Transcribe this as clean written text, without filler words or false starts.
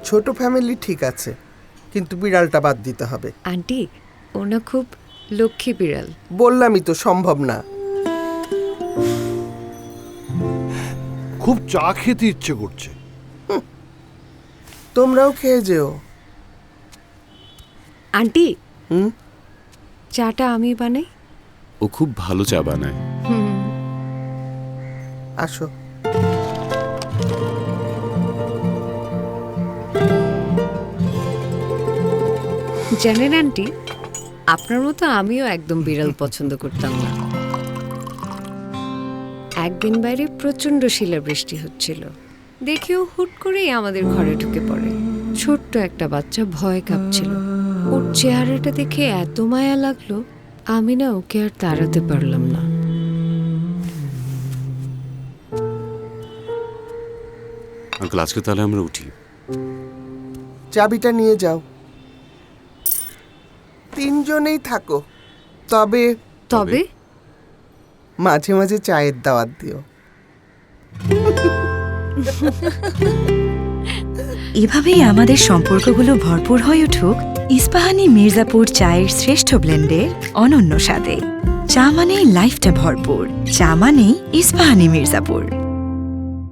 ছোট ফ্যামিলি ঠিক আছে, কিন্তু বিড়ালটা বাদ দিতে হবে। আন্টি, ওনা খুব লক্ষ্মী বিড়াল। বললামই তো সম্ভব না। খুব চা খেতে ইচ্ছে করছে। তোমরাও খেয়ে যেও। আন্টি, হুম, চাটা আমি বানাই। ও খুব ভালো চা বানায়। আসো। জানেন আন্টি, আপনার মতো আমিও একদম বিড়াল পছন্দ করতাম না। একদিন বাইরে প্রচন্ড শিলাবৃষ্টি হচ্ছিল, দেখেও হুট করেই আমাদের ঘরে ঢুকে পড়ে। ছোট্ট একটা বাচ্চা ভয় কাঁপছিল। ওর চেহারাটা দেখে এত মায়া লাগলো, আমি না ওকে আর তাড়াতে পারলাম না। আঙ্কেল, আজকে তাহলে আমরা উঠি। চাবিটা নিয়ে যাও। 3 জনেই থাকো, তবে তবে মাঝে মাঝে চায়ের দাওয়াত দিও। এভাবেই আমাদের সম্পর্কগুলো ভরপুর হয়ে উঠুক ইস্পাহানি মির্জাপুর চায়ের শ্রেষ্ঠ ব্লেন্ডের অনন্য স্বাদে। চা মানেই লাইফটা ভরপুর, চা মানেই ইস্পাহানি মির্জাপুর।